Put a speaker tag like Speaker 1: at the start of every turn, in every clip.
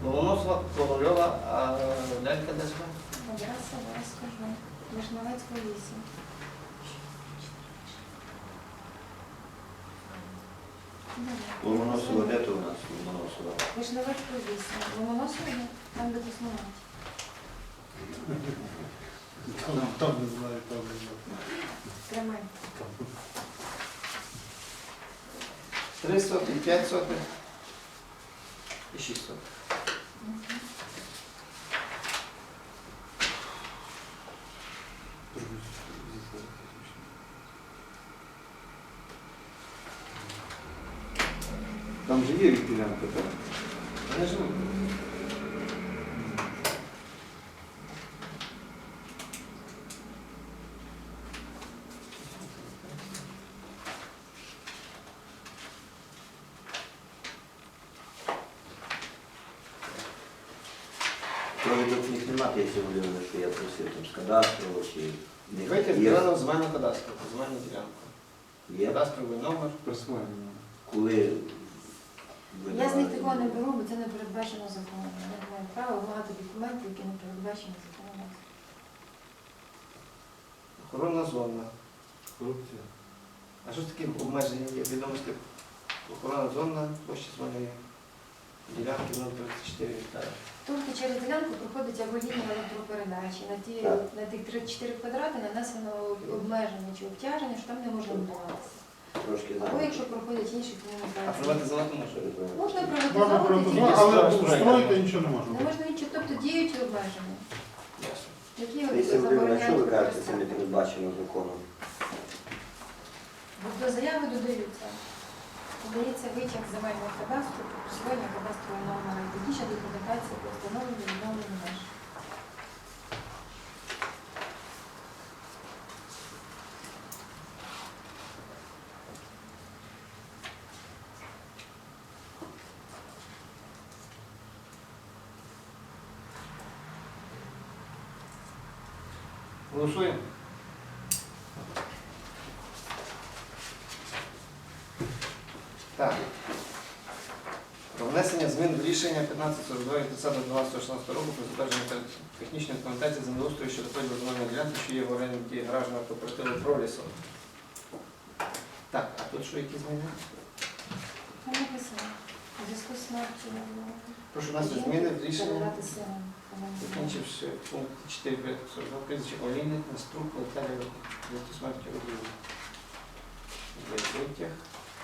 Speaker 1: Ломоносова, Ковальова, а лялька де живе?
Speaker 2: Адреса, зараз скажу. Вишневецька 8.
Speaker 3: Ломоносова, де то у нас Ломоносова?
Speaker 2: Вишневецька 8. Ломоносова, там де Космонавт.
Speaker 4: Там не знаю, там не знаю.
Speaker 2: Тримай.
Speaker 1: 3 сотні, 5 сотень і 6 сотень.
Speaker 3: Там же є ділянка, так?
Speaker 1: Вони живуть.
Speaker 3: Провідок в них немає, якщо Володимир, що я просив там з кадастру чи...
Speaker 1: Давайте збирали земельну кадастру, земельну ділянку.
Speaker 3: Є?
Speaker 1: Кадастровий номер.
Speaker 4: Присвоєння.
Speaker 3: Коли...
Speaker 2: Я з них такого не беру, бо це не передбачено законом. Я не маю права вимагати документи, які не передбачені законом.
Speaker 1: Охоронна зона.
Speaker 4: Корупція.
Speaker 1: А що ж таке обмеження є? Відомості охоронна зона, площа земельної ділянки 0,34 гектара.
Speaker 2: Тобто через ділянку проходить або лінія електропередачі. На тих 3-4 квадрати нанесено обмеження чи обтяження, що там не можна будуватися.
Speaker 3: Трошки
Speaker 2: Або
Speaker 3: знаю.
Speaker 2: якщо проходять інші
Speaker 1: А
Speaker 2: комунікації.
Speaker 1: приватизувати можна?
Speaker 2: Можна
Speaker 4: Можна
Speaker 2: приватизувати,
Speaker 4: приватизувати,
Speaker 2: тільки
Speaker 4: але
Speaker 1: Стройка.
Speaker 4: строїти нічого не можна.
Speaker 2: не можна нічого, тобто діють обмеження,
Speaker 1: Ясно.
Speaker 2: які
Speaker 3: Якщо Володимир, що ви
Speaker 2: забороняють
Speaker 3: кажете, це не
Speaker 2: використання.
Speaker 3: передбачено законом?
Speaker 2: Бо до заяви додаються. Додається витяг земельного кадастру, присвоєння кадастрового номера і технічна документація про встановлення і відновлення меж.
Speaker 1: Голосуємо. Так. Про внесення змін до рішення 1542 від 30.12.16 року про затвердження технічної документації землеустрою щодо поділу земельної ділянки, що є в оренді гаражного кооперативу «Пролісо». Так, а тут що, які зміни?
Speaker 2: Там написано. У зв'язку з смертю
Speaker 1: Прошу внести зміни в рішення.
Speaker 2: передати сина.
Speaker 1: Закінчивши пункт 4.42 прізвище Олійник, Наструк, Наталія, зв'язку смерті Олійник. Є витяг.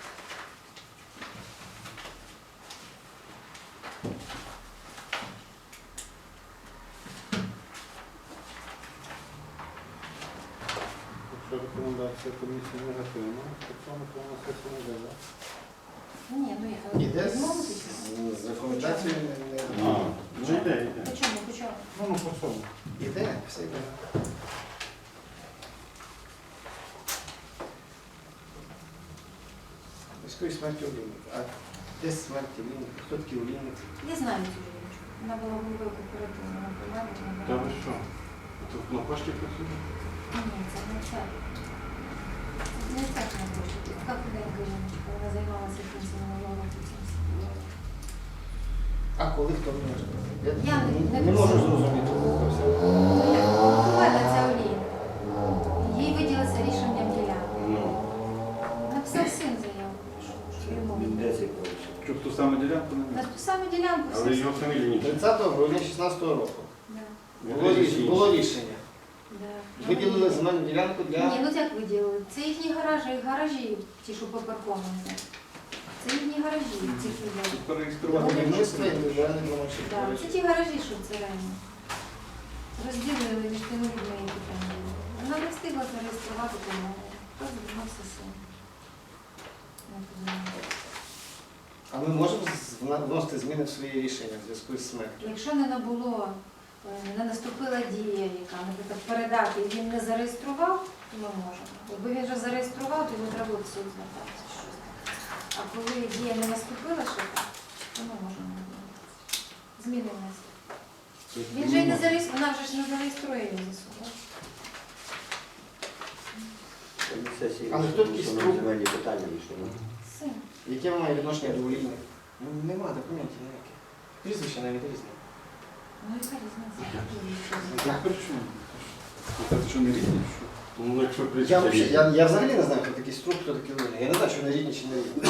Speaker 4: Якщо рекомендація комісії негативна, то в цьому то на сесію не йде, так?
Speaker 2: Ні, ну я
Speaker 1: Іде
Speaker 2: відмовитися.
Speaker 1: з рекомендацією не...
Speaker 4: Ну йде, йде.
Speaker 2: По чому, по чому?
Speaker 4: Ну, по цьому.
Speaker 1: Іде, все йде. Військовій смерті Олійника. А де смерть Олійника? Хто такий Олійник?
Speaker 2: Я знаю цю жінку. Вона була головою кооперативу, вона була.
Speaker 4: Та ви що? Тут на пошті працює?
Speaker 2: Ні, це не це. Це не це, що на пошті. Така худенька жіночка, вона займалася кінцем минулого року цим.
Speaker 1: А коли хто не може?
Speaker 2: Я
Speaker 1: не можу зрозуміти.
Speaker 2: У мене це Олійна. Їй виділиться рішенням ділянки.
Speaker 3: Ну,
Speaker 2: Написав син заяву, що йому
Speaker 3: де
Speaker 2: виділиться.
Speaker 3: цей пролісок?
Speaker 4: Щоб ту саму ділянку не
Speaker 2: На ту саму ділянку
Speaker 4: Але
Speaker 2: все.
Speaker 4: його фамілії ні.
Speaker 1: 30 грудня 2016 року
Speaker 2: Да,
Speaker 1: було рішення.
Speaker 2: да.
Speaker 1: Виділили земельну ділянку
Speaker 2: Ні,
Speaker 1: для...
Speaker 2: ну як виділили? Це їхні гаражі, ті, що попарковані. Це їхні гаражі, ці виділили.
Speaker 4: Перереєструвати не
Speaker 1: будівництва
Speaker 4: можна?
Speaker 1: індивідуальних громадських
Speaker 2: Да,
Speaker 1: гаражів.
Speaker 2: це ті гаражі, що в царайні. Розділили між тими людьми, які там були. Вона не встигла зареєструвати тому. Хто звернувся син. Я подумала.
Speaker 1: А ми можемо вносити зміни в свої рішення в зв'язку з смертю?
Speaker 2: Якщо не набуло, не наступила дія, яка, наприклад, передати, і він не зареєстрував, то ми можемо. Якби він вже зареєстрував, то йому треба в суд звертатися. чи щось таке. А коли дія не наступила ще так, то ми можемо зміни внести. Він же і не зареєструє, вона вже ж не зареєструє його за суд.
Speaker 3: Сесії,
Speaker 1: Але хто такий
Speaker 3: що
Speaker 1: Струк?
Speaker 3: земельні питання рішено.
Speaker 2: Син.
Speaker 1: Яке має відношення до Олійника? Ну, нема документів ніяких. Прізвище навіть різне.
Speaker 2: Ну, яка різниця?
Speaker 4: Ну, при чому? Це що не рідні? Що?
Speaker 5: Ну, якщо
Speaker 1: Я,
Speaker 5: прийшли.
Speaker 1: взагалі, я взагалі не знаю, хто такий Струк, хто такий Луня. Я не знаю, чи вони рідні, чи не рідні.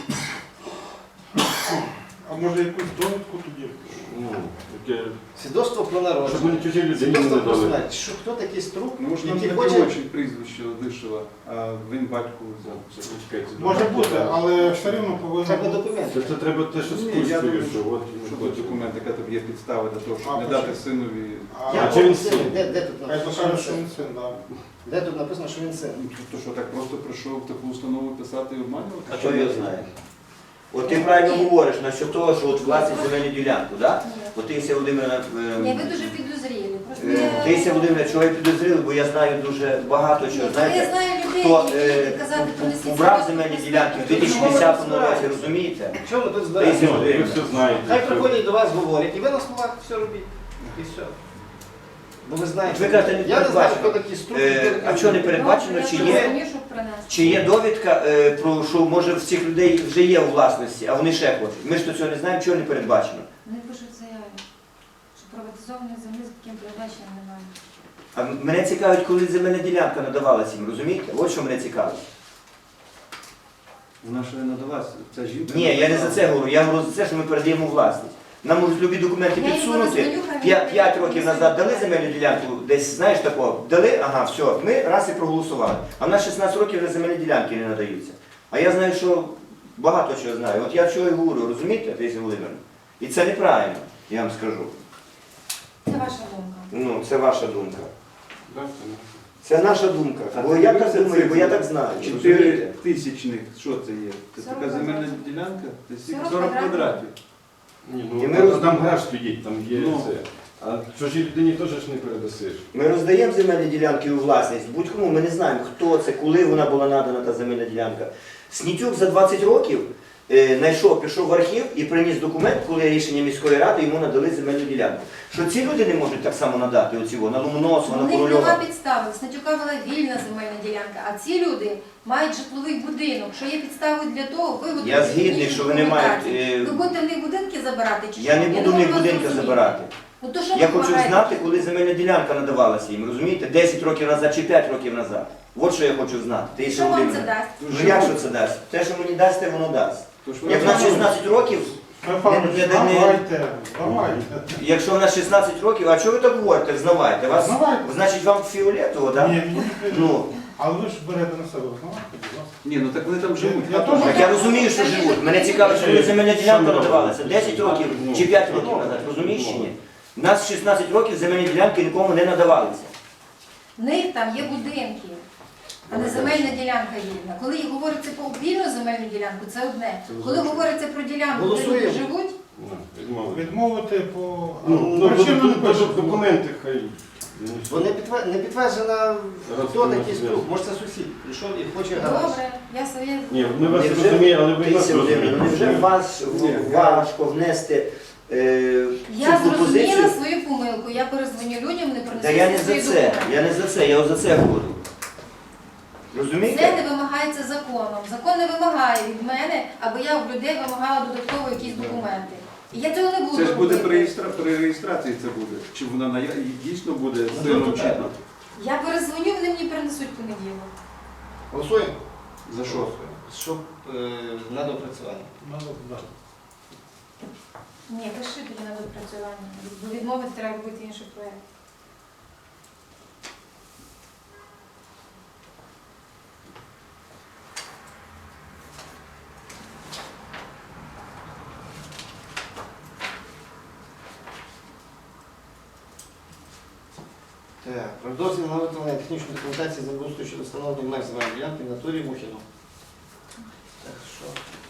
Speaker 4: А може якусь довідку тоді?
Speaker 5: Ну, таке,
Speaker 1: Свідоцтво про
Speaker 5: щоб
Speaker 1: народження.
Speaker 5: вони чужі людині
Speaker 1: Свідоцтво
Speaker 5: не
Speaker 1: про
Speaker 5: дали.
Speaker 1: смерть. Що, хто такий Струк,
Speaker 4: Ну, може нам
Speaker 1: який
Speaker 4: не
Speaker 1: хоче...
Speaker 4: хоче прізвище Лишила, а він батьку взяв.
Speaker 5: Чекайте,
Speaker 4: Може бути, але все рівно повинно
Speaker 1: Треба
Speaker 4: бути.
Speaker 1: документи.
Speaker 5: Це треба те, що
Speaker 4: Ні, я
Speaker 5: спустили,
Speaker 4: думаю,
Speaker 5: що от
Speaker 4: Що
Speaker 5: от
Speaker 4: тут документ, яка тобі є підстава для того, А, щоб не
Speaker 1: почему?
Speaker 4: дати синові.
Speaker 1: Я
Speaker 5: чи він
Speaker 1: можу
Speaker 5: син?
Speaker 1: Де тут
Speaker 4: Хай
Speaker 1: написано, що
Speaker 4: покаже,
Speaker 1: він
Speaker 4: що
Speaker 1: син?
Speaker 4: він син, так.
Speaker 1: Де тут написано, що він син?
Speaker 4: Тобто що, так просто прийшов в таку установу писати і обманювати?
Speaker 3: А хто його знає? От ти правильно говориш насчет того, що от власність земельну ділянку, так? От Таїсія Володимирівна,
Speaker 2: Ні, ви дуже підозрілі. Просто
Speaker 3: Таїсія Володимирівна, чого я підозріла, бо я знаю дуже багато чого.
Speaker 2: Я
Speaker 3: Знаєте,
Speaker 2: знаю людей,
Speaker 3: хто
Speaker 2: які казати, принесіть
Speaker 3: убрав
Speaker 2: свідоцтво
Speaker 3: земельні
Speaker 2: про
Speaker 3: ділянки в
Speaker 2: смерть.
Speaker 3: 2010 році, розумієте?
Speaker 1: Чого ми тут
Speaker 3: Таїсія
Speaker 1: збираємося?
Speaker 5: Ви
Speaker 3: Володимирівна.
Speaker 5: все знаєте.
Speaker 1: Хай
Speaker 5: все.
Speaker 1: приходять до вас, говорять, і ви на словах все робіть. І все. Бо ви знаєте,
Speaker 3: Ви кажете, не
Speaker 1: я не знаю,
Speaker 3: передбачено.
Speaker 1: хто такі Струк.
Speaker 3: А чого не передбачено,
Speaker 2: Добре,
Speaker 3: чи
Speaker 2: я
Speaker 3: є?
Speaker 2: зрозумію, щоб принести.
Speaker 3: Чи є довідка, про що може в цих людей вже є у власності, а вони ще хочуть? Ми ж то цього не знаємо, чого не передбачено.
Speaker 2: Вони пишуть в заяві, що приватизованої землі з таким передбаченням немає.
Speaker 3: А мене цікавить, коли земельна ділянка надавалася їм, розумієте? От що мене цікавить.
Speaker 4: Вона ще не надалась, ця жінка.
Speaker 3: Ні, я не за це говорю, я говорю за це, що ми передаємо у власність. Нам можуть любі документи
Speaker 2: Я його
Speaker 3: підсунути.
Speaker 2: розміню, хай він
Speaker 3: 5 років назад дали земельну ділянку, десь, знаєш такого, дали, ага, все, ми раз і проголосували. А в нас 16 років вже земельні ділянки не надаються. А я знаю, що багато чого знаю. От я чого і говорю, розумієте, Таїсія Володимирівна? І це неправильно, я вам скажу.
Speaker 2: Це ваша думка.
Speaker 3: Ну, це ваша думка.
Speaker 4: Так, це не.
Speaker 3: Це наша думка. Бо я так думаю, бо я так знаю.
Speaker 4: 4
Speaker 3: розумієте?
Speaker 4: тисячних, що це є? Це
Speaker 2: 40
Speaker 4: така земельна
Speaker 2: квадратів.
Speaker 4: ділянка? Це стільки
Speaker 2: 40
Speaker 4: 40
Speaker 2: квадратів.
Speaker 4: квадратів.
Speaker 5: Ні,
Speaker 3: І
Speaker 5: ну,
Speaker 3: ми
Speaker 5: там
Speaker 3: розуміємо.
Speaker 5: гараж стоїть, там є
Speaker 4: Ну.
Speaker 5: це. А чужій людині теж ж не передасиш.
Speaker 3: Ми роздаємо земельні ділянки у власність. Будь-кому ми не знаємо, хто це, коли вона була надана та земельна ділянка. Снітюк за 20 років знайшов, пішов в архів і приніс документ, коли рішення міської ради йому надали земельну ділянку. Що ці люди не можуть так само надати оцього, на Ломоносова,
Speaker 2: У
Speaker 3: на
Speaker 2: них нема
Speaker 3: Корольова.
Speaker 2: підстави. В Снатюка була вільна земельна ділянка, а ці люди мають житловий будинок. Що є підставою для того, виготовити
Speaker 3: Я згідний,
Speaker 2: технічну
Speaker 3: що вони мають.
Speaker 2: документацію. Ви будете в них будинки забирати чи
Speaker 3: Я
Speaker 2: що?
Speaker 3: не буду в
Speaker 2: можу
Speaker 3: них
Speaker 2: вас
Speaker 3: будинка
Speaker 2: зрозуміти.
Speaker 3: забирати.
Speaker 2: Ну, то що
Speaker 3: Я
Speaker 2: ви
Speaker 3: хочу
Speaker 2: вимагаєте?
Speaker 3: знати, коли земельна ділянка надавалася їм, розумієте? 10 років назад чи 5 років назад. От що я хочу знати.
Speaker 2: І
Speaker 3: Таїсія
Speaker 2: що вам це
Speaker 3: Володимирівна.
Speaker 2: дасть?
Speaker 3: Ну як що це дасть? Те, що мені дасть, те воно дасть.
Speaker 4: Тож ви
Speaker 3: Як в нас 16 років,
Speaker 4: Давайте, давайте.
Speaker 3: якщо в нас 16 років, а чого ви так говорите, взнавайте? Вас,
Speaker 4: Взнавайте.
Speaker 3: значить, вам фіолетово, так?
Speaker 4: Ні, мені не
Speaker 3: Ну,
Speaker 4: Але ви ж берете на себе, знаєте, будь ласка. Ні, ну так вони там живуть.
Speaker 1: Я
Speaker 4: теж.
Speaker 3: так я розумію, що живуть. Мене цікавить, що коли земельна ділянка надавалася 10 років чи 5 років назад, розумієш чи ні? У нас 16 років земельні ділянки нікому не надавалися.
Speaker 2: В них там є будинки, а не земельна ділянка вільна. Коли говориться про вільну земельну ділянку, це одне. Коли говориться про ділянку, де люди
Speaker 1: Голосуємо.
Speaker 2: живуть,
Speaker 5: Ну, відмовити.
Speaker 4: Відмовити по...
Speaker 5: Ну,
Speaker 4: причину не пишу.
Speaker 5: документи хай.
Speaker 1: Бо не підтверджена, хто
Speaker 5: Раз,
Speaker 1: такий
Speaker 5: раз,
Speaker 1: Струк.
Speaker 5: раз.
Speaker 1: Може це сусід. Прийшов і хоче гараж.
Speaker 2: добре, я своє.
Speaker 5: Ні, ми вас
Speaker 3: Невже-
Speaker 5: розуміємо, але ви нас
Speaker 3: Таїсія Володимирівна,
Speaker 5: розумієте.
Speaker 3: невже вас
Speaker 5: Ні.
Speaker 3: важко внести
Speaker 2: Я
Speaker 3: цю
Speaker 2: зрозуміла
Speaker 3: пропозицію?
Speaker 2: свою помилку. Я перезвоню людям, не
Speaker 3: Та я не
Speaker 2: принесу
Speaker 3: за
Speaker 2: свої
Speaker 3: це,
Speaker 2: документи.
Speaker 3: я не за це, я от за це говорю.
Speaker 2: Це
Speaker 3: Розумієте?
Speaker 2: не вимагається законом. Закон не вимагає від мене, аби я в людей вимагала додатково якісь документи. І я цього не буду
Speaker 4: Це ж буде
Speaker 2: робити.
Speaker 4: при реєстрації це буде. Чи вона дійсно буде
Speaker 1: Ну,
Speaker 4: сином
Speaker 1: то
Speaker 4: чи
Speaker 1: так.
Speaker 4: ні?
Speaker 2: Я перезвоню, вони мені принесуть понеділок.
Speaker 1: Голосуємо.
Speaker 4: За що?
Speaker 1: Щоб на допрацювання.
Speaker 2: Ні, пиши тоді на допрацювання. Бо відмовити треба робити інший проєкт.
Speaker 1: Так, про дозвіл на виготовлення технічної документації землеустрою щодо встановлення меж земельної ділянки в натурі Мухіну. Так що?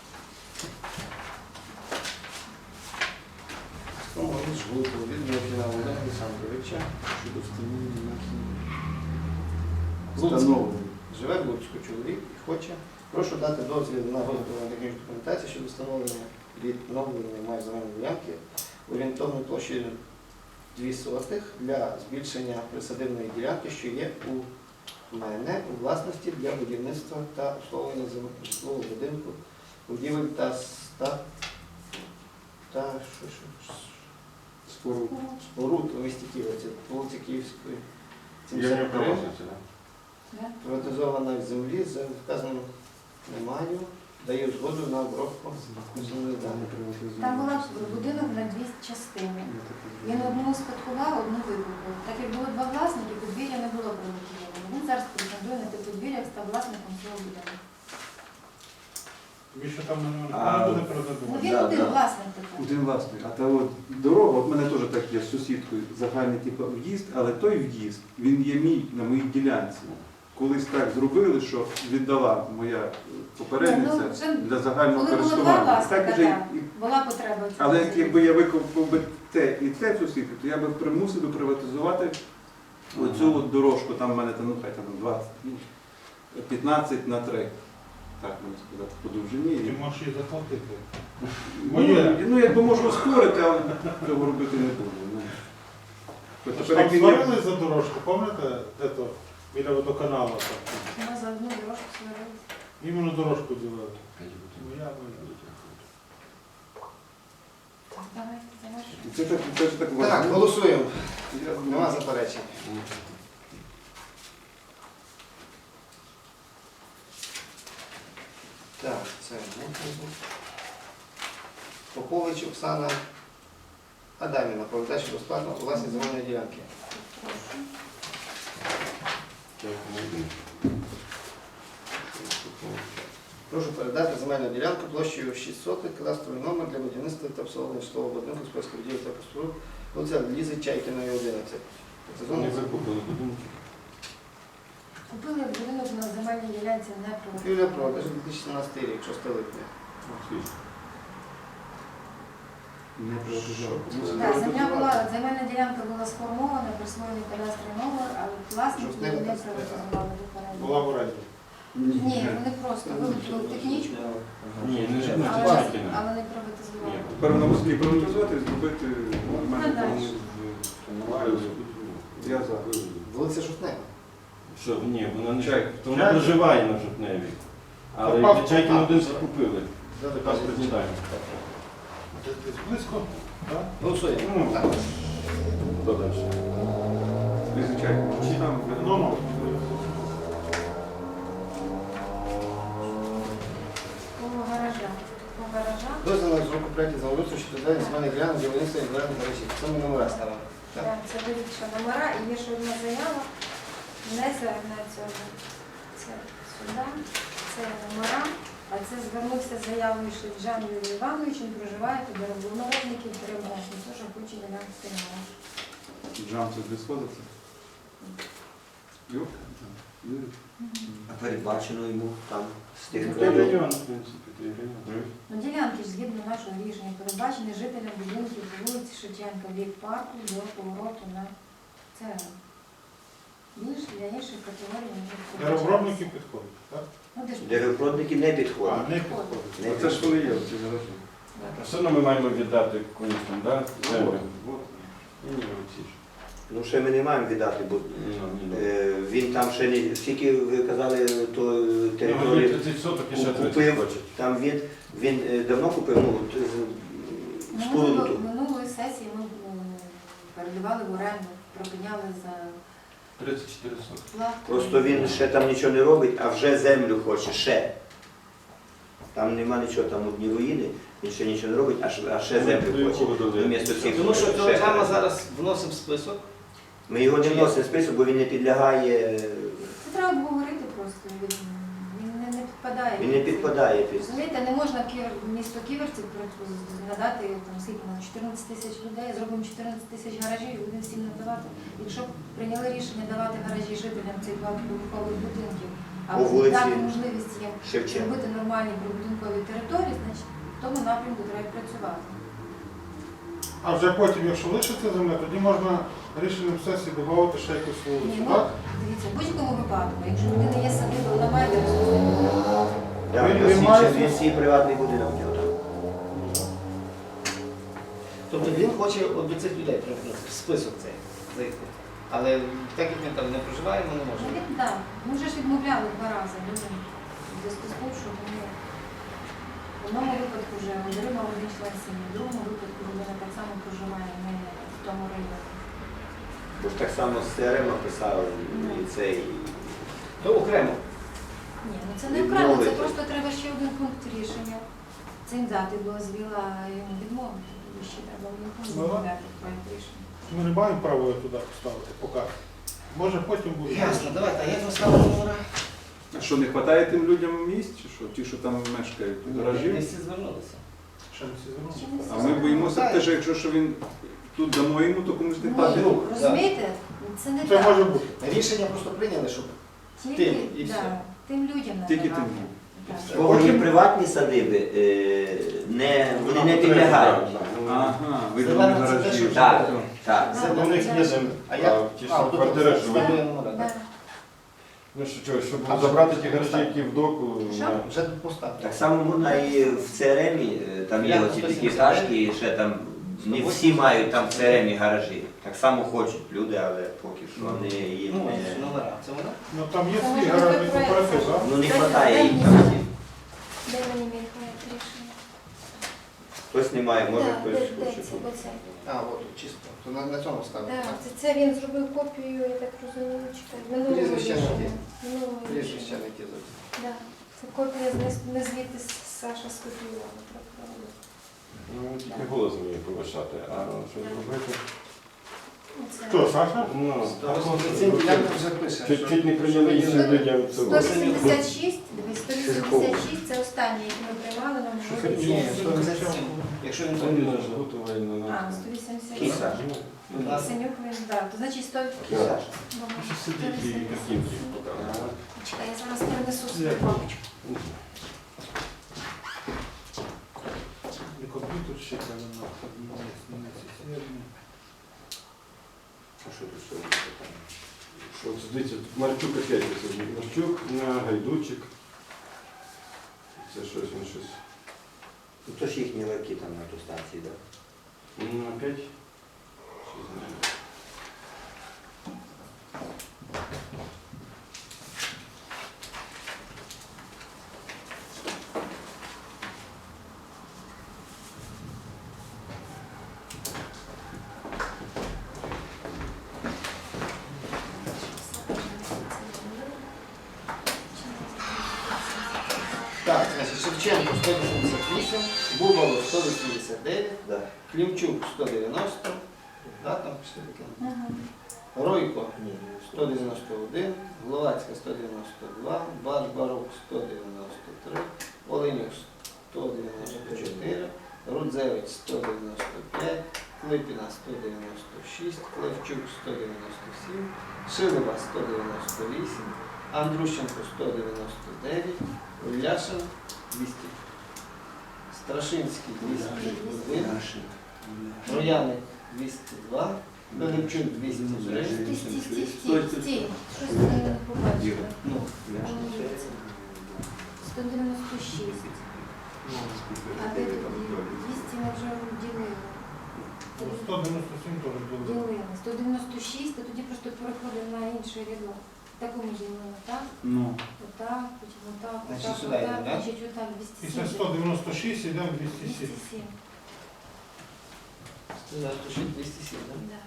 Speaker 1: Встановлення жгуту від Мухіна Володимира Олександровича.
Speaker 4: Щодо встановлення.
Speaker 1: Луцьк.
Speaker 4: Встановлення.
Speaker 1: Живе в Луцьку чоловік і хоче. Прошу дати дозвіл на виготовлення технічної документації щодо встановлення відновлення меж земельної ділянки орієнтовною площею 2 сотих для збільшення присадибної ділянки, що є у мене у власності для будівництва та обслуговування житлового будинку, будівель та та що,
Speaker 4: Споруд.
Speaker 1: споруд у місті Києва, це вулиця Київської.
Speaker 5: Я не
Speaker 1: 73.
Speaker 5: власниця, так?
Speaker 2: Да?
Speaker 1: Приватизована землі, за вказано не маю, даю згоду на обробку землі.
Speaker 2: Там була будинок на дві частини. Він одну спадкував, одну викупив. Так як було два власники, подвір'я не було приватизовано. Він зараз претендує на те подвір'я, став власником цього будинку.
Speaker 4: Більше там
Speaker 3: А,
Speaker 4: не буде
Speaker 2: Ну
Speaker 4: продадувати.
Speaker 2: він
Speaker 3: Да,
Speaker 2: один
Speaker 3: да.
Speaker 2: власник тепер.
Speaker 6: Один власник. А та от дорога, от мене теж так є з сусідкою, загальний типу в'їзд, але той в'їзд, він є мій на моїй ділянці. Колись так зробили, що віддала моя попередниця
Speaker 2: Ну, вже
Speaker 6: для загального
Speaker 2: коли було два
Speaker 6: користування.
Speaker 2: власника,
Speaker 6: Так вже
Speaker 2: так.
Speaker 6: і-
Speaker 2: Була потреба в цьому.
Speaker 6: Але якби я викупив би те і те сусідку, то я би примусив би приватизувати оцю от дорожку, там в мене там, ну хай там 20, 15 на 3. Так можна сказати, по довжині.
Speaker 4: Ти можеш її заплатити.
Speaker 6: Ну, ну, якби можу спорити, але цього робити не буду. Ну. От
Speaker 4: Тож
Speaker 6: тепер,
Speaker 4: там
Speaker 6: як він є-
Speaker 4: сварились за дорожку, пам'ятаєте, де то біля водоканалу? там?
Speaker 2: Ми за одну дорожку сварилися.
Speaker 4: Іменно дорожку ділили. Ну, я
Speaker 2: Так, давайте, завершуємо.
Speaker 6: Це ж так
Speaker 1: Так,
Speaker 6: важливо.
Speaker 1: голосуємо.
Speaker 6: Я-
Speaker 1: Нема заперечень. Так, це Попович Оксана Адамівна, передача безплатно у власні земельної ділянки. Прошу передати земельну ділянку площею 6 соток, кадастровий номер для будівництва та обслуговування житлового будинку з польської будівлі та споруд, вулиця Лізи Чайкіної, 11. Це
Speaker 5: Вони
Speaker 1: зона
Speaker 5: викупили будинки.
Speaker 2: Купили будинок на земельній ділянці не
Speaker 1: купівля продаж 2017 рік, 6 липня.
Speaker 6: Не приватизовано.
Speaker 2: Так, земельна ділянка була сформована, присвоєний кадастровий номер, але власник
Speaker 1: Щось
Speaker 2: її
Speaker 1: не
Speaker 2: не
Speaker 1: використали.
Speaker 2: приватизували попередньо.
Speaker 4: була в оренді.
Speaker 2: Ні, вони просто вилучили технічку,
Speaker 5: Ні, не жодна
Speaker 2: але,
Speaker 5: Чайкіна.
Speaker 2: але не приватизували.
Speaker 6: Тепер на Москві приватизувати і зробити нормальну
Speaker 2: Надальше.
Speaker 6: Я за.
Speaker 1: Вулиця Жовтнева.
Speaker 5: Що, ні, вона не
Speaker 6: Чай.
Speaker 5: то вона проживає на Жовтневі. Але
Speaker 4: Паспорт,
Speaker 5: Чайкіну
Speaker 4: так.
Speaker 5: один закупили. Паспорт не даємо.
Speaker 4: Десь близько, так?
Speaker 1: Голосуємо.
Speaker 5: Ну,
Speaker 1: Так.
Speaker 5: Хто далі?
Speaker 6: Звичайно. Чи там
Speaker 4: Ну.
Speaker 2: По гаражах.
Speaker 1: Дозвіл на розробку проєктів землеустрою щодо ведення земельних ділянок для будівництва і ділянок мережі. Це ми номера ставимо. Так.
Speaker 2: Так, це вирішена номера і є ще одна заява. Внесе на цьому. Це сюди, це номера. А це звернувся з заявою Шевчан Юрій Іванович, він проживає під народників переможний, теж хоче ділянку номера.
Speaker 6: джам це де сходиться? Йоп.
Speaker 3: А передбачено йому там з тих
Speaker 5: Це
Speaker 3: районів.
Speaker 5: район, в принципі, це район.
Speaker 2: Ну, ділянки ж згідно нашого рішення передбачені жителям будинків по вулиці Шевченка від парку до повороту на ЦР. Більш для інших категорій не підходить.
Speaker 4: Деревообробники підходять, так?
Speaker 2: Ну, де ж
Speaker 3: Деревопродники не підходять.
Speaker 4: А, не підходять.
Speaker 3: Не
Speaker 6: Оце ж вони є, ці гаражі.
Speaker 5: Все одно ми маємо віддати комусь там, да? Землю.
Speaker 6: От.
Speaker 5: Ні, оці ж.
Speaker 3: Ну ще ми не маємо віддати, бо
Speaker 5: Ну,
Speaker 3: він там ще не скільки ви казали, то
Speaker 5: Вони
Speaker 3: територію
Speaker 5: 30 соток і ще 30
Speaker 3: купив.
Speaker 5: хочуть.
Speaker 3: Там він давно купив, ну, споруду ту.
Speaker 2: Минулої сесії ми передавали в оренду, пропиняли за
Speaker 5: 34 сотки.
Speaker 2: плату.
Speaker 3: Просто він ще там нічого не робить, а вже землю хоче, ще. Там нема нічого, там одні руїни, він ще нічого не робить, а ще землю хоче. Вмісто цих
Speaker 1: Тому що
Speaker 3: ще
Speaker 1: телеграма
Speaker 3: гаражів.
Speaker 1: зараз вносимо в список.
Speaker 3: Ми його не вносимо в список, бо він не підлягає,
Speaker 2: Це треба обговорити просто. Він не підпадає.
Speaker 3: він не підпадає під.
Speaker 2: Розумієте, не можна місто Ківерці надати там скільки на 14 тисяч людей, зробимо 14 тисяч гаражів і будемо всім надавати. Якщо б прийняли рішення давати гаражі жителям цих багатоповерхових будинків, а
Speaker 3: По вулиці
Speaker 2: дати можливість їм
Speaker 3: Шевченка.
Speaker 2: зробити нормальні прибудинкові території, значить в тому напрямку треба працювати.
Speaker 4: А вже потім, якщо лишиться земля, тоді можна рішенням сесії додати ще якусь
Speaker 2: Ні,
Speaker 4: вулицю,
Speaker 2: ну,
Speaker 4: так?
Speaker 2: дивіться, в будь-якому випадку, якщо в людини є садиба, вона має де ресурси.
Speaker 3: Так,
Speaker 4: Він має-
Speaker 3: він свій приватний будинок в нього там.
Speaker 1: Тобто він хоче от до цих людей примкнути, в список цей зайти. Але так як він там не проживає, ми не
Speaker 2: Ну,
Speaker 1: можемо.
Speaker 2: він, да. Ми вже ж відмовляли 2 рази людям в зв'язку з тим, що вони в одному випадку вже отримав один член сім'ї, в другому випадку
Speaker 3: Бо ж так само з ЦРМ писали і це, і
Speaker 1: То окремо.
Speaker 2: Ні, ну це не окремо, це
Speaker 3: Відмовити.
Speaker 2: просто треба ще один пункт рішення. Цим дати дозвіл, а йому відмовити. І ще треба один пункт
Speaker 4: Ну, да.
Speaker 2: дати проект рішення.
Speaker 4: Ми не маємо права його туди поставити, поки. Може потім буде.
Speaker 1: Ясно, давайте, а як ви ставили номера?
Speaker 6: А що, не вистачає тим людям місць, чи що? Ті, що там мешкають, гаражі?
Speaker 1: Ми всі звернулися.
Speaker 4: Ще не всі звернули.
Speaker 2: Ще не
Speaker 6: А ми
Speaker 2: всі
Speaker 6: боїмося
Speaker 2: знають.
Speaker 6: те, що якщо що він тут дамо йому, то комусь не падає.
Speaker 2: Ні, розумієте? Це не
Speaker 4: Це може
Speaker 2: так.
Speaker 4: бути.
Speaker 1: Рішення просто прийняли, щоб
Speaker 2: Тільки,
Speaker 1: тим, і все.
Speaker 2: да, тим людям
Speaker 6: Тільки
Speaker 2: надавати.
Speaker 6: тим.
Speaker 2: Так.
Speaker 3: в кого є приватні садиби, вони не підлягають.
Speaker 6: Ага,
Speaker 1: Зелена
Speaker 6: виділені
Speaker 1: це те,
Speaker 6: гаражі.
Speaker 1: що-
Speaker 3: Так, так.
Speaker 2: Да.
Speaker 5: У них є земля,
Speaker 1: А як?
Speaker 5: а ті, що
Speaker 1: тут
Speaker 5: квартири
Speaker 1: все
Speaker 5: живуть.
Speaker 1: складує номера,
Speaker 2: Да.
Speaker 1: так?
Speaker 5: Ну що, чого, щоб
Speaker 1: А
Speaker 5: забрати
Speaker 1: вже-
Speaker 5: ті гаражі, які в доку,
Speaker 2: Що?
Speaker 5: на-
Speaker 1: Вже поставили.
Speaker 3: Так само можна і в ЦРМі, там є
Speaker 1: Я
Speaker 3: оці
Speaker 1: 179.
Speaker 3: п'ятиэтажки, і ще там не всі мають там в ЦРМі гаражі. Так само хочуть люди, але поки що вони їм
Speaker 1: Ну,
Speaker 3: не...
Speaker 1: номера. Це вона?
Speaker 4: Ну там є
Speaker 2: Це
Speaker 4: свій
Speaker 2: може
Speaker 4: гаражний
Speaker 2: бути проект.
Speaker 4: кооператив, так?
Speaker 3: Ну не
Speaker 2: Дай-
Speaker 3: вистачає
Speaker 2: дай
Speaker 3: їм
Speaker 2: мені
Speaker 3: там
Speaker 2: сюди.
Speaker 3: всім.
Speaker 2: Де мені мій проект рішення?
Speaker 3: Хтось не має, може
Speaker 2: Да,
Speaker 3: хтось
Speaker 2: де
Speaker 3: хоче.
Speaker 2: це, оце.
Speaker 1: А, от тут чисто. То на цьому ставили.
Speaker 2: Да,
Speaker 1: так?
Speaker 2: це він зробив копію, я так розумію, чекай. Минулого
Speaker 1: Прізвище не
Speaker 2: рішення.
Speaker 1: ті.
Speaker 2: Минулого
Speaker 1: Прізвище
Speaker 2: рішення.
Speaker 1: не ті зовсім.
Speaker 2: Да. Це копія не звідти Саша скопіювала. правда.
Speaker 5: ну, тільки голос мені повишати, а що зробити?
Speaker 2: Оце.
Speaker 4: Хто, Саша?
Speaker 5: Ну,
Speaker 1: Цим ділянкам вже пише. що-
Speaker 5: чуть не прийняли
Speaker 1: що
Speaker 5: іншим людям цю.
Speaker 2: 186, дивись, 186 це останнє, яке ми приймали на
Speaker 4: Що
Speaker 2: минулій
Speaker 4: це? Ні,
Speaker 2: сесії.
Speaker 1: 187. Якщо він то
Speaker 5: Вони
Speaker 1: не
Speaker 5: ж готували на
Speaker 2: А,
Speaker 5: нас.
Speaker 2: 187.
Speaker 3: Кіса.
Speaker 2: Синюк він, да. То значить 100...
Speaker 3: Кіса.
Speaker 5: Що сидіть і картинки показують.
Speaker 2: Чекай, я зараз перенесу свою папочку.
Speaker 4: І комп'ютер ще треба на системі.
Speaker 3: А що тут що?
Speaker 5: Що, от дивіться, тут Марчук опять висадив. Марчук на Гайдучик. Це щось, він щось.
Speaker 3: Ну то ж їхні ларки там на ту станції, так?
Speaker 5: Ну, опять? Що знаю.
Speaker 1: Так, значить, Шевченко 188, Бубало 189,
Speaker 3: Да.
Speaker 1: Клімчук 190, да, там пішли таке.
Speaker 2: Ага.
Speaker 1: Ройко
Speaker 3: Ні.
Speaker 1: 191, Гловацька 192, Барбарук 193, Оленюк 194, Рудзевич 195, Клипіна 196, Клевчук 197, Шилова 198, Андрущенко 199, Уляшин 200, Страшинський 201, Трояник 202, Пилипчук 203,
Speaker 2: Стій, стій, стій, стій, стій. Щось я не побачила.
Speaker 1: ну,
Speaker 2: 196. А де тоді? 200 ми вже ділили.
Speaker 4: 197 теж було.
Speaker 2: Ділили. 196, а тоді просто переходимо на інший рядок. В такому ділимо, так?
Speaker 6: Ну,
Speaker 2: Отак, потім отак,
Speaker 1: Значить,
Speaker 2: отак,
Speaker 1: сюди йдемо,
Speaker 2: отак,
Speaker 1: да?
Speaker 2: значить отак,
Speaker 4: Після
Speaker 2: 207.
Speaker 4: 196 йдемо 207.
Speaker 2: 207,
Speaker 1: 196, 207, да?
Speaker 2: да.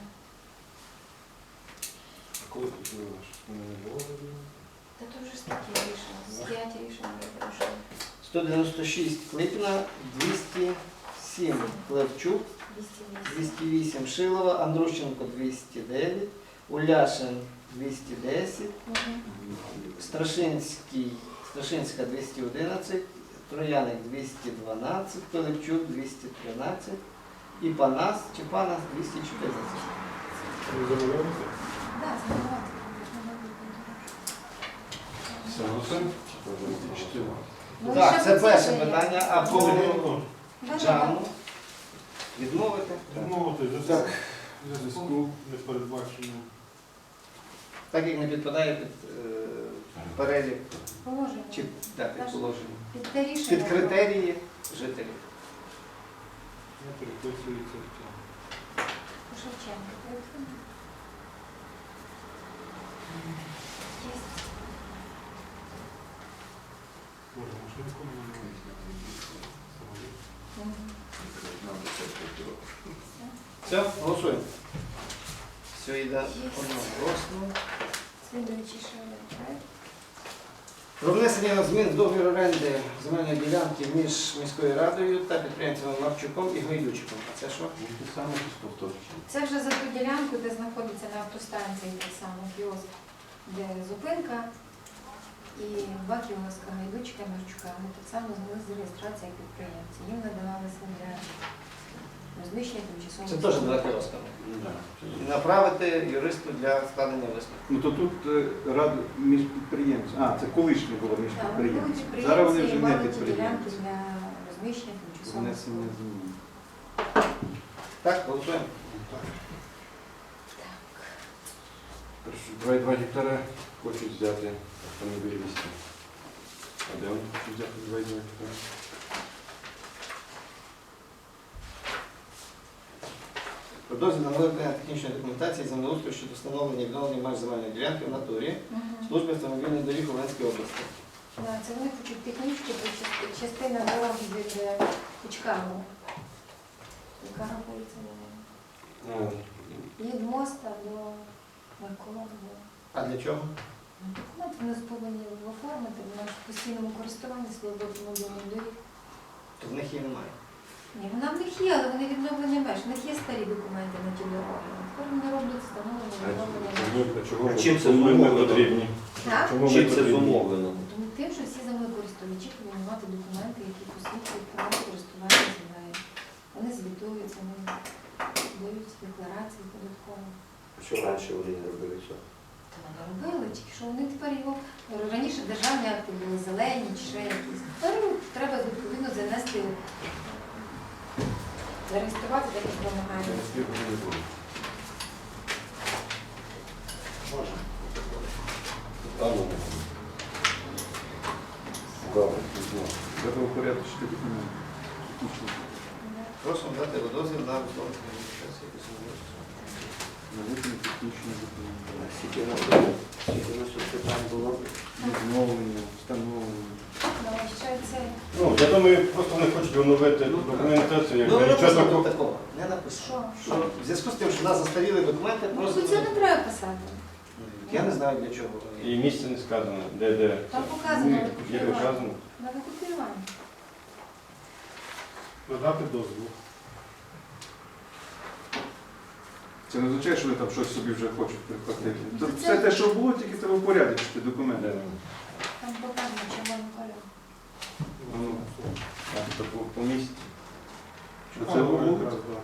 Speaker 5: Коли починаєш? Не було?
Speaker 2: Та то вже ж такі рішення, з 5 рішень вже пройшли.
Speaker 1: 196 Клипіна, 207 Клевчук,
Speaker 2: 208.
Speaker 1: 208 Шилова, Андрущенко 209, Уляшин 210,
Speaker 2: Мгм.
Speaker 1: Страшинська 211, Трояник 212, Пилипчук 213 і Панас чи Панас 214.
Speaker 4: Ви замовилися?
Speaker 2: Да, забувати.
Speaker 5: Все, голосуємо?
Speaker 2: Ну, і
Speaker 1: Так,
Speaker 2: ще
Speaker 1: це
Speaker 2: по
Speaker 1: перше
Speaker 2: цій є.
Speaker 1: питання, а по
Speaker 4: Ну,
Speaker 1: Джану відмовити.
Speaker 4: Відмовити за зв'язку не передбачено.
Speaker 1: Так як не підпадає під перелік
Speaker 2: Положення.
Speaker 1: чи під положення.
Speaker 2: Під те рішення.
Speaker 1: Під критерії жителів.
Speaker 4: Не переписується в цьому.
Speaker 2: По Шевченку. Є.
Speaker 4: Боже, може нікому не
Speaker 2: Мгм.
Speaker 1: Все, голосуємо. Все йде одноголосно.
Speaker 2: Слідуючий ще один проект.
Speaker 1: Про внесення змін в договір оренди земельної ділянки між міською радою та підприємцями Марчуком і Гайдучиком. А це що?
Speaker 5: Ті саме якісь повторчі.
Speaker 2: Це вже за ту ділянку, де знаходиться на автостанції так само кіоск, де зупинка і 2 кіоска Гайдучка і Марчука. Вони так само зняли з реєстрації як підприємці. Їм надавалися для розміщення тимчасового.
Speaker 1: Це теж 2 кіоска.
Speaker 5: Да.
Speaker 1: Направити юристу для складення висновку.
Speaker 6: Ну то тут рада між підприємцями. А, це колишнє було між
Speaker 2: Так, вони були
Speaker 6: підприємцями. Зараз вони
Speaker 2: підприємці
Speaker 6: вже
Speaker 2: і
Speaker 6: не
Speaker 2: мали ті ділянки
Speaker 6: підприємці.
Speaker 2: для розміщення тимчасового.
Speaker 6: Внесення змін.
Speaker 1: Так, голосуємо.
Speaker 5: Перше, 2,2 гектара хочуть взяти автомобілісти. А де вони хочуть взяти 2,2 гектара?
Speaker 1: Про дозвіл на виготовлення технічної документації землеустрою щодо встановлення і відновлення меж земельної ділянки в натурі
Speaker 2: Мгм.
Speaker 1: служби автомобільних доріг у Волинській області.
Speaker 2: Да, це вони хочуть технічки, то частина дороги від Кучкаву, яка рахується від моста до Маркова.
Speaker 1: А для чого?
Speaker 2: Документи вони повинні оформити, вона ж в постійному користуванні служби автомобільних доріг.
Speaker 1: То в них її немає.
Speaker 2: Ні, вона в них є, але вони відновлені меж. В них є старі документи на ті дороги. Тепер вони роблять встановлення, відновлення меж.
Speaker 5: А чого
Speaker 3: А чим це
Speaker 5: ми
Speaker 3: зумовлено?
Speaker 5: потрібні?
Speaker 2: Так?
Speaker 5: Чому ми
Speaker 3: Чим це
Speaker 5: потрібні?
Speaker 3: зумовлено?
Speaker 2: Тому тим, що всі землекористувачі повинні мати документи, які посвідчують право користування землею. Вони звітуються, вони дають декларації податкові.
Speaker 3: Що раніше вони не робили цього?
Speaker 2: Та вони робили, тільки що вони тепер його раніше державні акти були зелені чи ще якісь. Тепер треба відповідно занести, зареєструвати так, як вимагає.
Speaker 5: Через півгодини не буде.
Speaker 4: Можна.
Speaker 5: Там вони. Добре, пізно.
Speaker 6: Треба упорядочити документи. Технічні.
Speaker 1: Просимо дати дозвіл на висловлення адміністрації якось землеустрою.
Speaker 6: На виконання технічних документів.
Speaker 3: Скільки у нас тут питань було?
Speaker 6: Відновлення, встановлення.
Speaker 2: Давай ще це.
Speaker 5: Ну, я думаю, просто вони хочуть оновити документацію,
Speaker 1: Ну,
Speaker 5: як
Speaker 1: не
Speaker 5: нічого
Speaker 1: написано
Speaker 5: такого.
Speaker 1: такого. Не написано.
Speaker 2: Що?
Speaker 1: Що в зв'язку з тим, що в нас застаріли документи,
Speaker 2: Ну,
Speaker 1: просто...
Speaker 2: це не треба писати.
Speaker 1: Я не знаю для чого вони.
Speaker 5: І місце не сказано, де.
Speaker 2: Там показано
Speaker 5: Є
Speaker 2: викупівання.
Speaker 5: доказано.
Speaker 2: На викупівання.
Speaker 4: Надати дозвіл.
Speaker 6: Це не означає, що вони там щось собі вже хочуть прихватити.
Speaker 2: Це-
Speaker 6: Все те, що було, тільки треба упорядочити документи.
Speaker 5: Де?
Speaker 2: Там показано червоним кольором.
Speaker 6: Ну,
Speaker 5: А, то по місці.
Speaker 6: Це було?
Speaker 4: якраз, да.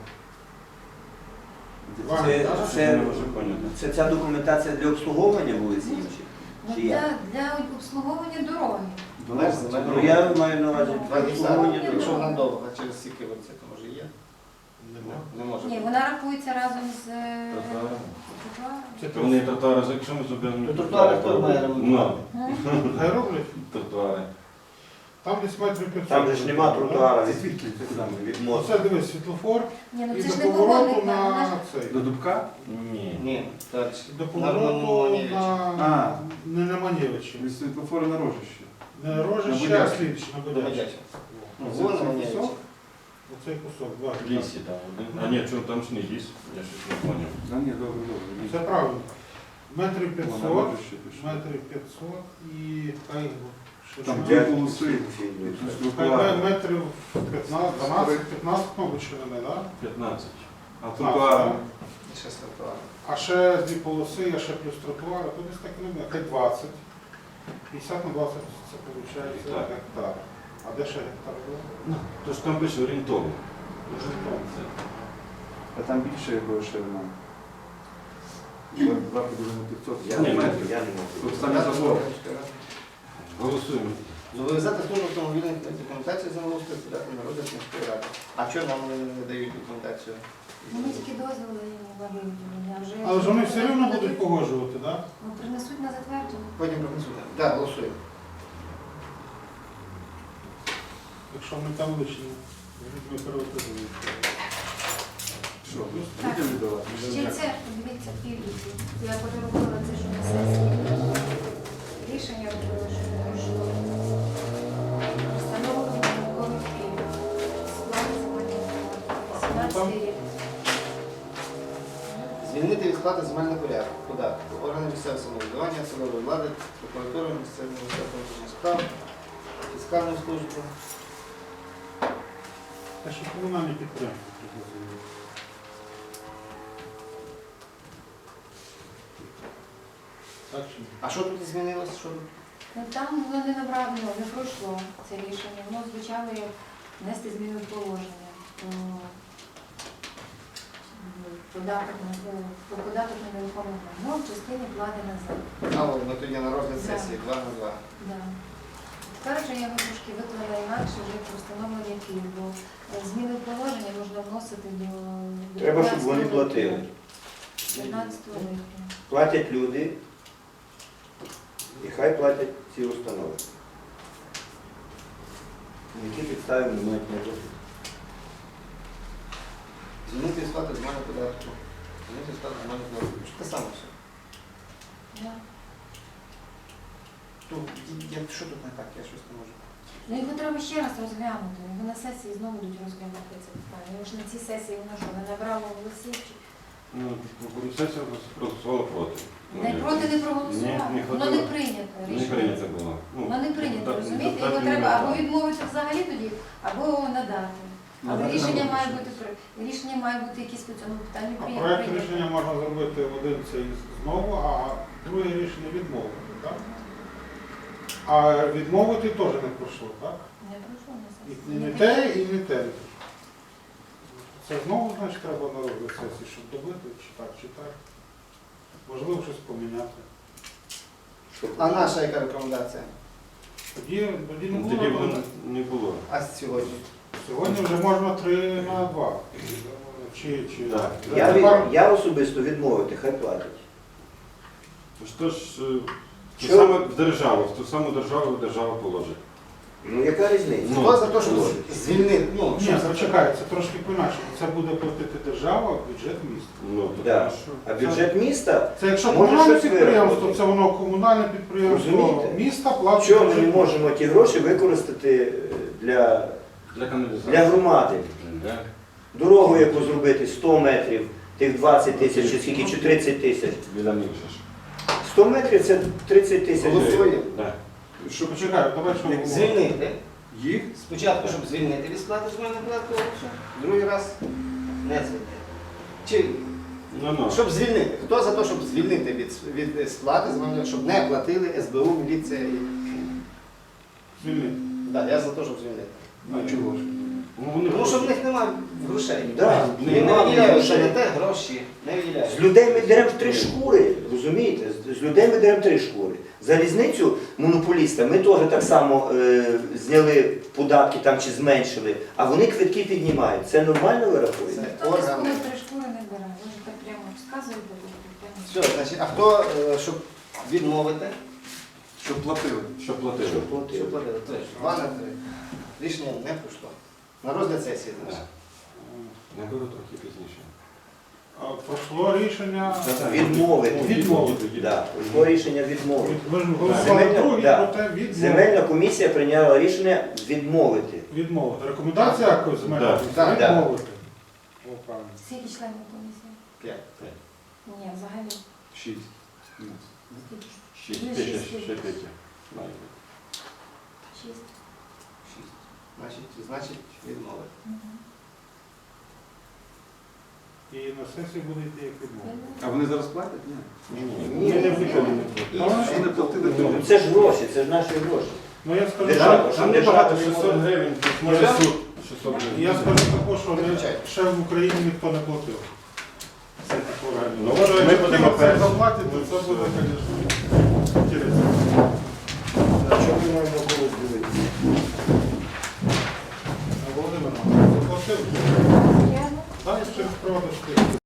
Speaker 3: Це,
Speaker 5: Не можу поняти.
Speaker 3: це ця документація для обслуговування вулиці інші?
Speaker 2: Ну,
Speaker 3: Чи як?
Speaker 2: для обслуговування дороги.
Speaker 1: Меж
Speaker 3: Ну
Speaker 1: земельної
Speaker 3: я маю на увазі
Speaker 1: Два гектари,
Speaker 3: обслуговування
Speaker 2: Ні,
Speaker 1: якщо
Speaker 3: дорог.
Speaker 1: вона довга, через скільки це може є?
Speaker 4: Нема.
Speaker 1: Не може.
Speaker 2: Ні, вона рахується разом з
Speaker 5: Тротуаром.
Speaker 2: тротуаром.
Speaker 4: Це
Speaker 5: То вони тротуари, якщо ми зробимо...
Speaker 1: Ну, тротуари хто має ремонтувати?
Speaker 5: Ну,
Speaker 4: Хай роблять.
Speaker 5: тротуари.
Speaker 4: Там десь метрів 500.
Speaker 3: Там же ж нема тротуара
Speaker 6: Це
Speaker 3: від,
Speaker 6: звідки?
Speaker 3: від
Speaker 4: Ну,
Speaker 3: мосту.
Speaker 4: це дивись, світлофор
Speaker 2: Ні, ну
Speaker 4: і
Speaker 2: це
Speaker 4: до
Speaker 2: ж не
Speaker 4: повороту
Speaker 2: погодник, вона ж
Speaker 4: на цей.
Speaker 6: До Дубка?
Speaker 5: Ні.
Speaker 1: Ні, так.
Speaker 4: До
Speaker 1: На
Speaker 4: повороту
Speaker 1: Романівича.
Speaker 4: на... Не на Манєвичі.
Speaker 6: Від світлофора на Рожище.
Speaker 4: Не Рожище,
Speaker 6: На
Speaker 4: а
Speaker 6: Будячі.
Speaker 4: слідчі, на
Speaker 1: До
Speaker 4: Будячі.
Speaker 1: Медяча.
Speaker 6: Ну,
Speaker 1: Вон
Speaker 6: це
Speaker 1: вони
Speaker 6: кусок?
Speaker 4: Оцей кусок, два.
Speaker 5: В лісі там один. А ні, чого там ж не ліс? Я щось не поняв.
Speaker 6: А ні, добре, добре.
Speaker 4: Це правильно. Метрів
Speaker 6: Вона
Speaker 4: 500,
Speaker 6: Рожище пише.
Speaker 4: метрів 500 і хай ще
Speaker 6: Там
Speaker 4: щось.
Speaker 6: дві полоси.
Speaker 4: Хай
Speaker 6: Тротуари.
Speaker 4: метрів 15, 12, 15, мабуть, ширини, так?
Speaker 5: 15.
Speaker 6: А тротуари?
Speaker 1: І ще з тротуаром.
Speaker 4: А ще дві полоси, а ще плюс тротуари, то десь так не буде. Хай 20. 50 на 20 це виходить
Speaker 5: Так.
Speaker 4: гектар. А де ще гектар було?
Speaker 5: То ж там пише орієнтовно.
Speaker 6: А там більше якого ширина. 2 поділено на 500.
Speaker 3: Я
Speaker 5: Ні,
Speaker 3: не можу,
Speaker 6: метрів.
Speaker 3: я не можу.
Speaker 6: Тут саме забор.
Speaker 5: Голосуємо.
Speaker 1: Зобов'язати службу автомобільних документації землеустрою подати на розгляд міської ради. А чого нам не дають документацію?
Speaker 2: Вони тільки дозвіл дають на виготовлення, а вже...
Speaker 4: Але ж вони все рівно будуть погоджувати, так?
Speaker 2: Ну, принесуть на затвердження.
Speaker 1: Потім принесуть. Так, голосуємо.
Speaker 4: Якщо ми там лишні, ми приватизуємо.
Speaker 6: Що, людям віддавати?
Speaker 2: Ще це, подивіться, півліті. Я подарувала це, що на сесії. Рішення робила, що не пройшло. Встановлення наукових пільг. Склад земельних плат. 18 рік.
Speaker 1: Звільнити від сплати земельного порядку, податку, органи місцевого самоврядування, судової влади, прокуратури, місцевого міністерства внутрішніх справ, фіскальну службу.
Speaker 4: Те, що комунальні підприємства треба звільнити. Так чи ні?
Speaker 1: А що тут змінилось? Що?
Speaker 2: Ну, там воно не набрало, не пройшло це рішення. Воно звучало як внести зміни в положення. Про податок на нерухоме майно в частині плати на землю.
Speaker 1: А, от ми тоді на розгляд
Speaker 2: Да.
Speaker 1: сесії 2 на 2.
Speaker 2: Да. Тепер вже я трошки виклала інакше вже про встановлення пільг, бо зміни в положення можна вносити до
Speaker 3: Треба, щоб вони
Speaker 2: 15
Speaker 3: платили.
Speaker 2: 15 липня.
Speaker 3: Платять люди, і хай платять ці установи. На які підстави не мають не робити.
Speaker 1: Звільнити від сплати земельного податку. Звільнити від сплати земельного податку. Що те саме все?
Speaker 2: Да.
Speaker 1: Що тут не так? Я щось не можу.
Speaker 2: Ну його треба ще раз розглянути. Його на сесії знову будуть розглянути це питання. Його ж на цій сесії воно що, не набрало голосів? чи-
Speaker 5: Ну, сесія проголосувала проти.
Speaker 2: Не проти не проголосувало.
Speaker 5: Ні, не
Speaker 2: Воно не
Speaker 5: хотіло.
Speaker 2: прийнято
Speaker 5: Не
Speaker 2: рішення.
Speaker 5: прийнято було. Ну,
Speaker 2: Воно не прийнято,
Speaker 5: так,
Speaker 2: розумієте?
Speaker 5: так
Speaker 2: Його
Speaker 5: і
Speaker 2: треба
Speaker 5: не
Speaker 2: або
Speaker 5: так.
Speaker 2: відмовити взагалі тоді, або надати. Але
Speaker 6: Надати
Speaker 2: рішення
Speaker 6: нам
Speaker 2: має
Speaker 6: рішення.
Speaker 2: бути рішення має бути якісь по цьому питанню
Speaker 4: А проект
Speaker 2: прийняті.
Speaker 4: рішення можна зробити один цей знову, а друге рішення відмовити, так? А відмовити теж не пройшло, так?
Speaker 2: Не пройшло на
Speaker 4: І
Speaker 2: сесії.
Speaker 4: не те, і не те. Це знову, значить, треба на розгляд сесії, щоб добити, чи так, чи так. Можливо, щось поміняти.
Speaker 1: А наша яка рекомендація?
Speaker 4: Тоді не
Speaker 5: Тоді
Speaker 4: було.
Speaker 5: воно не було.
Speaker 1: А сьогодні?
Speaker 4: Сьогодні вже можна 3 на 2. Чи
Speaker 5: Так.
Speaker 3: Я особисто відмовити, хай платять.
Speaker 5: Що ж,
Speaker 3: Що?
Speaker 5: те саме в державу, в ту саму державу держава положить.
Speaker 3: Ну яка різниця?
Speaker 5: Ну,
Speaker 1: Хто за те, щоб
Speaker 3: положить.
Speaker 1: звільнити? Ну,
Speaker 4: Ні,
Speaker 1: щоб
Speaker 4: почекай, це трошки по-інакшому. Це буде платити держава, бюджет міста.
Speaker 5: Ну, то
Speaker 3: Да.
Speaker 5: хорошо.
Speaker 3: А бюджет міста,
Speaker 4: Це якщо
Speaker 3: Може,
Speaker 4: комунальне
Speaker 3: щось
Speaker 4: підприємство,
Speaker 3: виробити.
Speaker 4: це воно комунальне підприємство
Speaker 3: Розумієте?
Speaker 4: міста платить.
Speaker 3: чого ми не
Speaker 4: бюджет.
Speaker 3: можемо ті гроші використати для
Speaker 5: Для каналізації.
Speaker 3: Для громади.
Speaker 5: Да.
Speaker 3: дорогу, яку зробити 100 метрів, тих 20 тисяч, чи скільки, чи 30 тисяч.
Speaker 5: Біля них же ж.
Speaker 3: 100 метрів це 30 тисяч.
Speaker 1: Голосуємо.
Speaker 5: Да.
Speaker 4: Що почекай, давай що говоримо.
Speaker 1: Звільнити.
Speaker 6: Їх
Speaker 1: Спочатку, щоб звільнити від сплати земельного податку, другий раз не звільнити. Чи
Speaker 5: Ну.
Speaker 1: щоб звільнити? Хто за те, щоб звільнити від сплати земельного, щоб не платили СБУ, міліція і...
Speaker 4: Звільнити.
Speaker 1: Так, я за те, щоб звільнити.
Speaker 6: А чого ж?
Speaker 5: Ну, вони
Speaker 1: Тому що в них немає грошей.
Speaker 3: Да,
Speaker 1: Вони не
Speaker 3: нема
Speaker 1: виділяють,
Speaker 3: грошей.
Speaker 1: що не те гроші, не
Speaker 3: З
Speaker 1: виділяють.
Speaker 3: людей ми деремо 3 шкури, розумієте? З людей ми деремо 3 шкури. Залізницю монополіста ми теж так само зняли податки там чи зменшили, а вони квитки піднімають. Це нормально ви рахуєте?
Speaker 1: Це
Speaker 2: Хто з
Speaker 1: органи.
Speaker 2: коли 3 шкури не бере? Ви ж так прямо розказуєте.
Speaker 1: Все, значить, а хто, щоб відмовити?
Speaker 6: Щоб платили.
Speaker 5: Що платили?
Speaker 3: Щоб платили.
Speaker 1: Щоб платили? Тож, 2 на 3. Рішення не пройшло. На розгляд сесії,
Speaker 5: Да.
Speaker 1: значить.
Speaker 5: Я беру трохи пізніше.
Speaker 4: А пройшло рішення.
Speaker 3: Відмовити.
Speaker 4: Відмовити.
Speaker 3: Да, пройшло рішення відмовити.
Speaker 4: Ми ж голосували
Speaker 3: Земельна-
Speaker 4: другі,
Speaker 3: да.
Speaker 4: проте відмовити.
Speaker 3: Земельна комісія прийняла рішення відмовити.
Speaker 4: Відмовити. Рекомендація якось земельна
Speaker 5: Да.
Speaker 4: комісія?
Speaker 1: Так.
Speaker 4: Відмовити. О, правильно.
Speaker 2: Скільки членів комісії?
Speaker 1: 5.
Speaker 2: Ні, взагалі.
Speaker 6: 6.
Speaker 2: Скільки?
Speaker 5: 6,
Speaker 2: Ну,
Speaker 5: 5,
Speaker 2: шість.
Speaker 5: 6, 5.
Speaker 2: 6.
Speaker 1: 6. Значить, відмовити.
Speaker 4: І на сесії буде йти як відмовити.
Speaker 6: А вони зараз платять? Ні.
Speaker 3: Ні,
Speaker 5: Ми не виконали.
Speaker 6: А вони не платили
Speaker 3: Ну,
Speaker 6: тоді.
Speaker 3: це ж гроші, це ж наші гроші.
Speaker 4: Ну я скажу,
Speaker 3: Держава.
Speaker 4: що-
Speaker 5: Там небагато, 600 гривень, тут може
Speaker 4: Я-
Speaker 5: суд 600 гривень.
Speaker 4: я скажу також, що
Speaker 1: Виключайте.
Speaker 4: ще в Україні ніхто не платив. Це таке реально.
Speaker 5: Ну,
Speaker 4: Якщо
Speaker 5: ми будемо
Speaker 4: це
Speaker 5: перші.
Speaker 4: заплатять, то це буде, звісно, інтересно.
Speaker 3: На чому ми маємо було дивитися?
Speaker 4: Володимир, заплатив?
Speaker 2: Я
Speaker 4: Так, через проводиш.